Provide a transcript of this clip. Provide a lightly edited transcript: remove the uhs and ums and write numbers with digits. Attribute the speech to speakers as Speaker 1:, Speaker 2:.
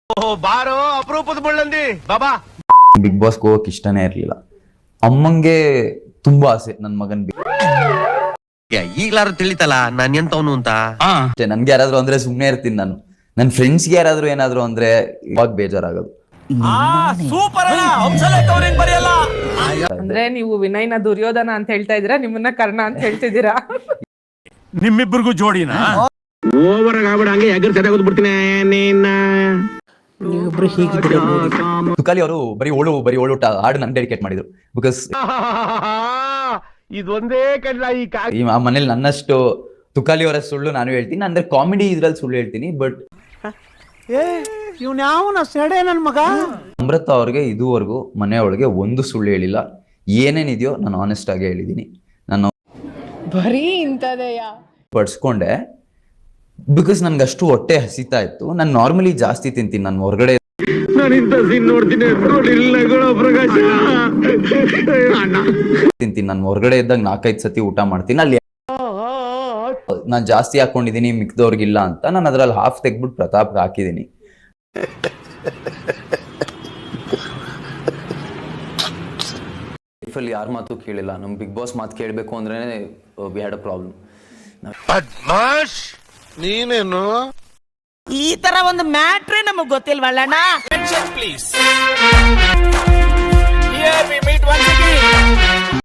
Speaker 1: ಬಾರೋ ಅಪರೂಪದ ಮುಳ್ಳಂದಿ ಬಾಬಾ.
Speaker 2: ಬಿಗ್ ಬಾಸ್ಗೆ ಹೋಗಕ್ ಇಷ್ಟನೇ ಇರ್ಲಿಲ್ಲ. ಅಮ್ಮಂಗೆ ತುಂಬಾ ಆಸೆ ನನ್ ಮಗನ್
Speaker 1: ಈಗ್ಲಾರು ತಿಳಿತಲ್ಲ ನಾನ್ ಎಂತವನು ಅಂತ.
Speaker 2: ನನ್ಗೆ ಯಾರಾದ್ರೂ ಅಂದ್ರೆ ಸುಮ್ನೆ ಇರ್ತೀನಿ ನಾನು. ನನ್ ಫ್ರೆಂಡ್ಸ್ಗೆ ಯಾರಾದ್ರೂ ಏನಾದ್ರು ಅಂದ್ರೆ ಇವಾಗ ಬೇಜಾರಾಗೋದು.
Speaker 3: ಅಂದ್ರೆ ನೀವು ವಿನಯ್ನ ದುರ್ಯೋಧನ ಅಂತ ಹೇಳ್ತಾ ಇದೀರಾ, ನಿಮ್ಮನ್ನ ಕರ್ಣ ಅಂತ ಹೇಳ್ತಿದ್ದೀರಾ?
Speaker 4: ನಿಮ್ಮಿಬ್ಬರಿಗೂ ಜೋಡಿನಾ?
Speaker 1: ಓವರ್ ಆಗ್ಬಿಡ ಹಂಗೆ ಎಗರ್ ಸರಿಯಾಗೋದು ಬಿಡ್ತೀನಿ ನಿನ್ನ.
Speaker 2: ತುಕಾಲಿ ಅವರು ಬರೀ ಓಳು ಹಾಡು ನನ್ ಡೆಡಿಕೇಟ್ ಮಾಡಿದ್ರು. ಬಿಕಾಸ್
Speaker 1: ಇದೊಂದೇ ಕಡ್ಲ
Speaker 2: ಈ ಮನೇಲಿ ನನ್ನಷ್ಟು ತುಕಾಲಿ ಅವರ ಸುಳ್ಳು ನಾನು ಹೇಳ್ತೀನಿ, ಅಂದ್ರೆ ಕಾಮಿಡಿ ಇದ್ರಲ್ಲಿ ಸುಳ್ಳು ಹೇಳ್ತೀನಿ. ಬಟ್
Speaker 5: ನನ್ ಮಗ
Speaker 2: ಅಮೃತ ಅವ್ರಿಗೆ ಇದುವರೆಗೂ ಮನೆಯೊಳಗೆ ಒಂದು ಸುಳ್ಳು ಹೇಳಿಲ್ಲ. ಏನೇನಿದೆಯೋ ನಾನು ಆನೆಸ್ಟ್ ಆಗಿ ಹೇಳಿದೀನಿ. ನಾನು
Speaker 3: ಬರೀ ಇಂಥದೆಯಾ
Speaker 2: ಪಡ್ಸ್ಕೊಂಡೆ ಬಿಕಾಸ್ ನನ್ಗೆ ಅಷ್ಟು ಹೊಟ್ಟೆ ಹಸಿತಾ ಇತ್ತು. ನಾನು ನಾರ್ಮಲಿ ಜಾಸ್ತಿ ತಿಂತೀನಿ. ನಾನು ಹೊರಗಡೆ ತಿಂತೀನಿ. ನಾನು ಹೊರಗಡೆ ಇದ್ದಾಗ 4-5 ಸತಿ ಊಟ ಮಾಡ್ತೀನಿ. ಅಲ್ಲಿ ನಾನು ಜಾಸ್ತಿ ಹಾಕೊಂಡಿದೀನಿ ಮಿಕ್ದವ್ರಿಗಿಲ್ಲ ಅಂತ ನಾನು ಅದ್ರಲ್ಲಿ ಹಾಫ್ ತೆಗ್ಬಿಟ್ಟು ಪ್ರತಾಪ್ಗೆ ಹಾಕಿದೀನಿ. ಲೈಫಲ್ಲಿ ಯಾರ ಮಾತು ಕೇಳಿಲ್ಲ. ನಮ್ ಬಿಗ್ ಬಾಸ್ ಮಾತು ಕೇಳಬೇಕು ಅಂದ್ರೆ ವಿ ಹ್ಯಾಡ್ ಅ ಪ್ರಾಬ್ಲಮ್.
Speaker 1: ನೀನೇನು
Speaker 5: ಈ ತರ ಒಂದು ಮ್ಯಾಟ್ರೇ ನಮಗ್ ಗೊತ್ತಿಲ್ವಲ್ಲಣ್ಣ.
Speaker 4: Please. Here we meet once again.